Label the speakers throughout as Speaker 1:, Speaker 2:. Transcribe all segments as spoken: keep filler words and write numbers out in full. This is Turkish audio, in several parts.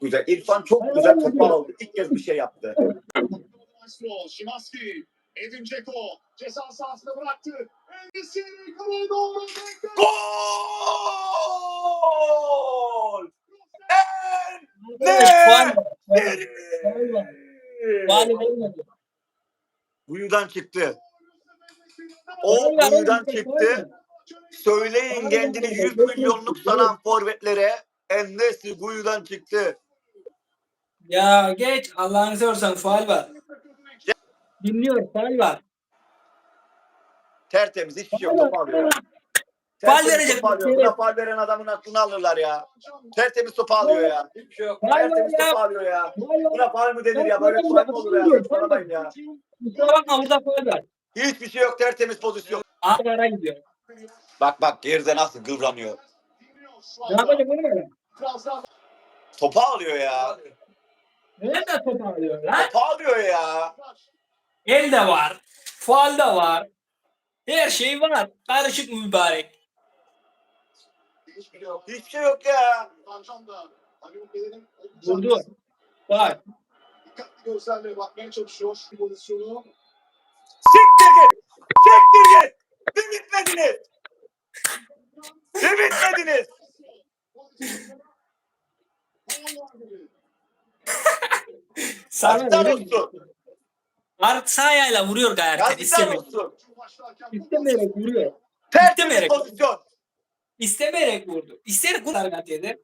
Speaker 1: güzel. İrfan çok güzel topu aldı. İlk kez bir şey yaptı.
Speaker 2: Şimanski, Edin Dzeko ceza sahasına bıraktı. Endesiri kaleye doğru.
Speaker 1: Gol!
Speaker 3: Faul var.
Speaker 1: Ne?
Speaker 3: Faul vermedi.
Speaker 1: Kuyudan çıktı. O kuyudan çıktı. Söyleyin kendini yüz milyonluk sanan forvetlere. En-Nesyri kuyudan çıktı.
Speaker 3: Ya geç Allah'ını seversen faul var. Dinliyor faul var.
Speaker 1: Tertemiz hiçbir şey yok. Topu alıyor.
Speaker 3: Faul
Speaker 1: Tertemiz
Speaker 3: verecek
Speaker 1: topu alıyor.
Speaker 3: bir
Speaker 1: Buna
Speaker 3: kere.
Speaker 1: faul veren adamın aklını alırlar ya. Tertemiz topu alıyor ya. Hiçbir şey yok.
Speaker 3: Faul var
Speaker 1: Tertemiz
Speaker 3: ya.
Speaker 1: topu alıyor ya.
Speaker 3: Faul var.
Speaker 1: Buna faul mü denir ya? Böyle faul mü olur ya? Saçmalamayın ya.
Speaker 3: Kusura bakma burada faul var.
Speaker 1: Hiçbir şey yok. Tertemiz pozisyon.
Speaker 3: Ağlara gidiyor.
Speaker 1: Bak bak geride nasıl kıvranıyor.
Speaker 3: Ne yapacak bunu böyle?
Speaker 1: Topu alıyor ya.
Speaker 3: Nerede top alıyor lan?
Speaker 1: Topu alıyor ya.
Speaker 3: El de var. Faul da var. Her şey var. Karışık mübarek.
Speaker 1: Hiçbir şey yok ya.
Speaker 3: Vurdu. Bak.
Speaker 2: Dikkatli gözlerle bakmaya çalışıyor şu pozisyonu.
Speaker 1: Siktir git. Siktir git. Bir bitmediniz. Bir bitmediniz.
Speaker 3: Sana
Speaker 1: Yazıklar
Speaker 3: vuruyor.
Speaker 1: olsun.
Speaker 3: Art sağ ayağıyla vuruyor gayet.
Speaker 1: Yazıklar
Speaker 3: İstemeyerek.
Speaker 1: olsun.
Speaker 3: İstemeyerek vuruyor.
Speaker 1: Tertemiz
Speaker 3: İstemeyerek.
Speaker 1: pozisyon.
Speaker 3: İstemeyerek vurdu. İsteyerek vurdu Argatiye'de.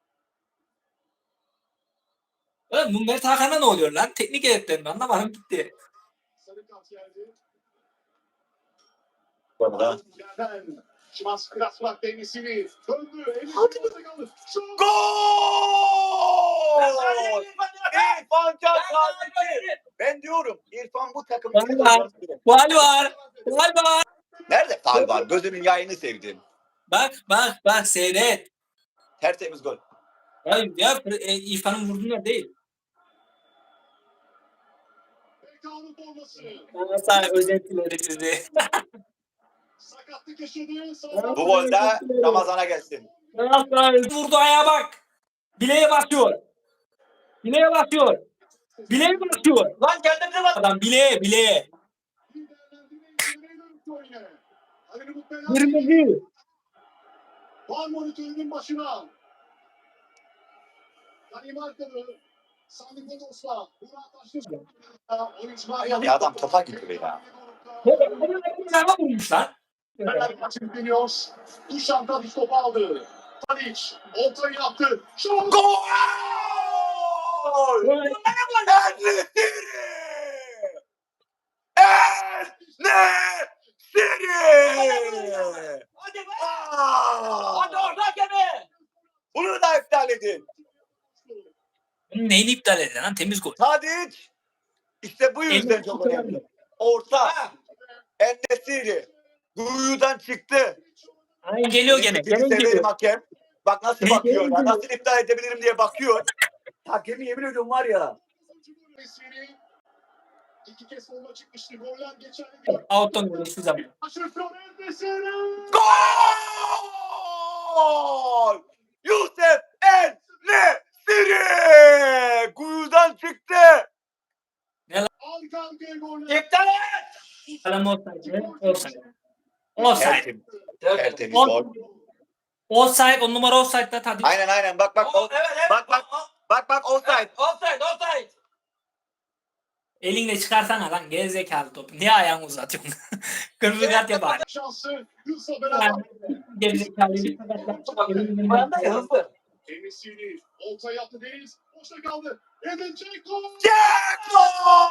Speaker 3: Oğlum bu Mert Hakan'a ne oluyor lan? Teknik heyetlerin anlamadım gitti.
Speaker 2: Sarı kart geldi.
Speaker 1: Bana.
Speaker 2: Yerden Şimanski biraz bıraktı Endesiri. Döndü. Endesiri kaldı. Şut!
Speaker 1: Gol! İrfan Can Kahveci. Ben diyorum İrfan bu takım.
Speaker 3: Faul var. Faul var. Faul var.
Speaker 1: Nerede faul var? Gözünün yayını sevdim.
Speaker 3: Bak bak bak seyret.
Speaker 1: Tertemiz gol.
Speaker 3: Ya, ya e, İrfan'ın vurduğunda değil.
Speaker 2: Bekanın forması.
Speaker 3: Bana sana özettileri sizi.
Speaker 2: Sakatlık yaşadı.
Speaker 1: Bu gol de Ramazan'a gelsin.
Speaker 3: Vurdu ayağa bak. Bileğe basıyor. Bileğe basıyor. Bileğe basıyor.
Speaker 1: Lan kendimize bak.
Speaker 3: Adam bileğe bileğe. Kırmızı.
Speaker 2: Var monitörünün başına. Danimarkalı. Sandıklı Dostlar. Murat Taşlı.
Speaker 1: Ya adam topa gidiyor ya.
Speaker 3: Araba vurmuş lan.
Speaker 2: Fenerbahçe yükleniyor. Duşan Tadiç topu aldı. Tadiç ortayı yaptı. Şut!
Speaker 1: Gol!
Speaker 3: Gol.
Speaker 1: En-Nesyri! En-Nesyri!
Speaker 2: Hadi be!
Speaker 1: Aa!
Speaker 2: Hadi orada gene!
Speaker 1: Bunu da iptal edin.
Speaker 3: Bunun neyini iptal edin lan? Temiz gol.
Speaker 1: Tadiç işte bu yüzden
Speaker 3: Elini
Speaker 1: çok
Speaker 3: tutuyor.
Speaker 1: önemli. Orta. En-Nesyri. Kuyudan çıktı.
Speaker 3: Ay geliyor gene.
Speaker 1: Seni
Speaker 3: Gene
Speaker 1: severim
Speaker 3: geliyor.
Speaker 1: hakem. Bak nasıl
Speaker 3: Gene
Speaker 1: bakıyor ya.
Speaker 3: geliyor.
Speaker 1: Nasıl iptal edebilirim diye bakıyor. Hakemi yemin ediyorum var ya.
Speaker 2: İki kez forma çıkmıştı. Goller geçerli değil.
Speaker 3: Out'tan gol hiçbir zaman.
Speaker 2: Aşırtıyor Endesiri.
Speaker 1: Gol! Yusuf En-Nesyri! Kuyudan çıktı.
Speaker 2: Arka arkaya goller.
Speaker 1: İptal et.
Speaker 3: Adam offside. Offside. Offside.
Speaker 1: Tertemiz. Tertemiz
Speaker 3: On-
Speaker 1: gol.
Speaker 3: Offside. On numara offside'da Tadiç.
Speaker 1: Aynen aynen bak bak.
Speaker 4: O, evet, evet.
Speaker 1: Bak bak. Bak bak offside.
Speaker 4: Offside, offside.
Speaker 3: Elinle çıkarsana lan gerizekalı topu. Niye ayağını uzatıyorsun? Kırmızı kart ya bari.
Speaker 2: Şansı Yusuf'la beraber.
Speaker 3: Yani Gerizekalı bir sakatlık. Elinden
Speaker 4: Bana da
Speaker 3: bak ya.
Speaker 4: hızlı.
Speaker 2: Endesiri olta yaptı Deniz. Boşta kaldı. Edin Dzeko.
Speaker 1: Dzeko!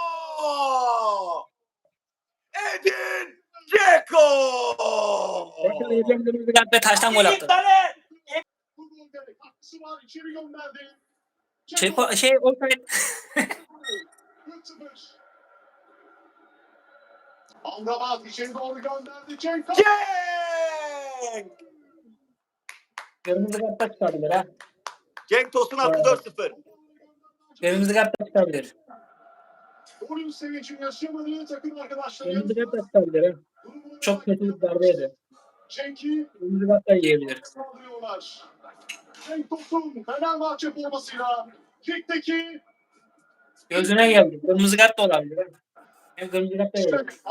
Speaker 1: Edin Dzeko!
Speaker 3: Bekle, Edin kırmızı kart ve taştan gol attı.
Speaker 4: İptal et.
Speaker 2: Bu golde katkısı var. İçeri gönderdi.
Speaker 3: Şey, şey offside.
Speaker 2: üç sıfır. Amrabat içeri doğru gönderdi. Dzeko.
Speaker 1: Cenk!
Speaker 3: Kırmızı kart da çıkabilir ha.
Speaker 1: Cenk Tosun attı dört sıfır.
Speaker 3: Kırmızı kart da çıkabilir.
Speaker 2: Golün sevincini yaşamadığı takım arkadaşları.
Speaker 3: Kırmızı kart da çıkabilir ha. Çok kötü bir darbeydi.
Speaker 2: Cenk'i
Speaker 3: Kırmızı kart da yiyebilir.
Speaker 2: saldırıyorlar. Cenk Tosun Fenerbahçe formasıyla Kikteki
Speaker 3: Gözüne geldi. Kırmızı kart da olabilir. Hem kırmızı kart da
Speaker 2: işte
Speaker 3: olabilir.